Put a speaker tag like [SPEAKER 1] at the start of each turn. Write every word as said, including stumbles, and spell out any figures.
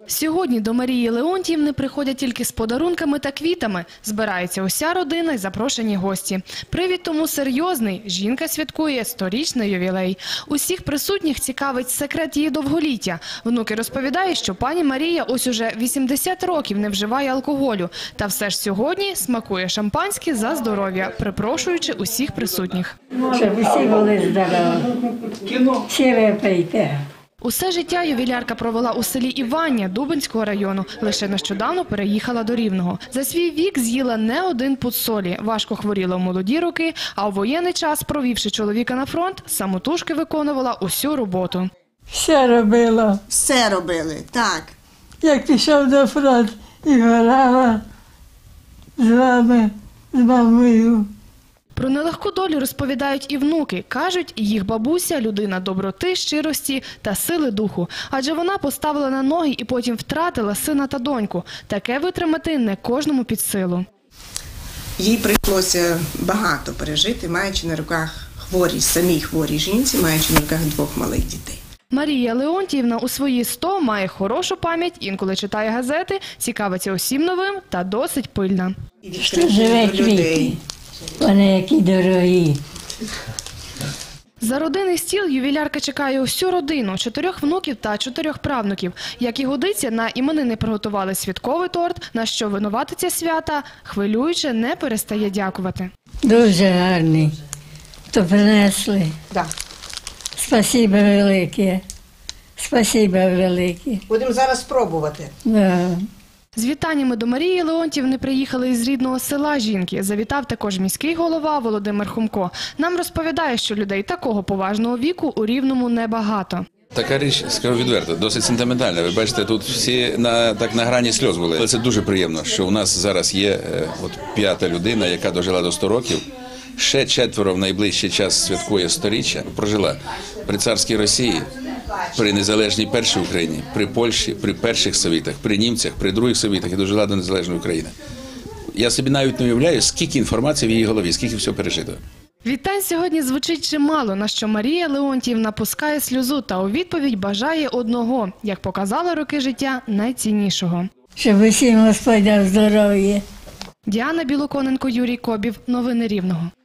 [SPEAKER 1] Сьогодні до Марії Леонтіївни приходять тільки з подарунками та квітами. Збирається уся родина й запрошені гості. Привід тому серйозний. Жінка святкує сторічний ювілей. Усіх присутніх цікавить секрет її довголіття. Внуки розповідають, що пані Марія ось уже вісімдесят років не вживає алкоголю. Та все ж сьогодні смакує шампанське за здоров'я, припрошуючи усіх присутніх.
[SPEAKER 2] Щоб усі були здорові. Всі випийте.
[SPEAKER 1] Усе життя ювілярка провела у селі Івання Дубенського району. Лише нещодавно переїхала до Рівного. За свій вік з'їла не один пуд солі. Важко хворіла в молоді роки, а у воєнний час, провівши чоловіка на фронт, самотужки виконувала усю роботу.
[SPEAKER 2] Все робила.
[SPEAKER 3] Все робили, так.
[SPEAKER 2] Як пішов на фронт і горала з вами, з мамою.
[SPEAKER 1] Про нелегку долю розповідають і внуки. Кажуть, їх бабуся – людина доброти, щирості та сили духу. Адже вона поставила на ноги і потім втратила сина та доньку. Таке витримати не кожному під силу.
[SPEAKER 3] Їй прийшлося багато пережити, маючи на руках хворі, самій хворій жінці, маючи на руках двох малих дітей.
[SPEAKER 1] Марія Леонтіївна у свої сто має хорошу пам'ять, інколи читає газети, цікавиться усім новим та досить пильна.
[SPEAKER 2] Що живе квіти. Вони які дорогі.
[SPEAKER 1] За родинний стіл ювілярка чекає усю родину – чотирьох внуків та чотирьох правнуків. Як і годиться, на іменини приготували святковий торт, на що винуватиця свята, хвилююче, не перестає дякувати.
[SPEAKER 2] Дуже гарний. То принесли.
[SPEAKER 3] Так.
[SPEAKER 2] Спасибо велике. Спасибо велике.
[SPEAKER 3] Будемо зараз спробувати.
[SPEAKER 2] Да.
[SPEAKER 1] З вітаннями до Марії Леонтіївни приїхали із рідного села жінки. Завітав також міський голова Володимир Хумко. Нам розповідає, що людей такого поважного віку у Рівному небагато.
[SPEAKER 4] Така річ, скажу відверто, досить сентиментальна. Ви бачите, тут всі на, так на грані сльоз були. Але це дуже приємно, що у нас зараз є е, от, п'ята людина, яка дожила до ста років. Ще четверо в найближчий час святкує сторіччя. Прожила при царській Росії, при незалежній першій Україні, при Польщі, при перших совітах, при німцях, при других совітах і дожила до незалежної України. Я собі навіть не уявляю, скільки інформації в її голові, скільки всього пережито.
[SPEAKER 1] Вітань сьогодні звучить чимало, на що Марія Леонтіївна пускає сльозу та у відповідь бажає одного, як показали роки життя, найціннішого.
[SPEAKER 2] Щоб усім Господь дав здоров'я.
[SPEAKER 1] Діана Білоконенко, Юрій Кобів. Новини Рівного.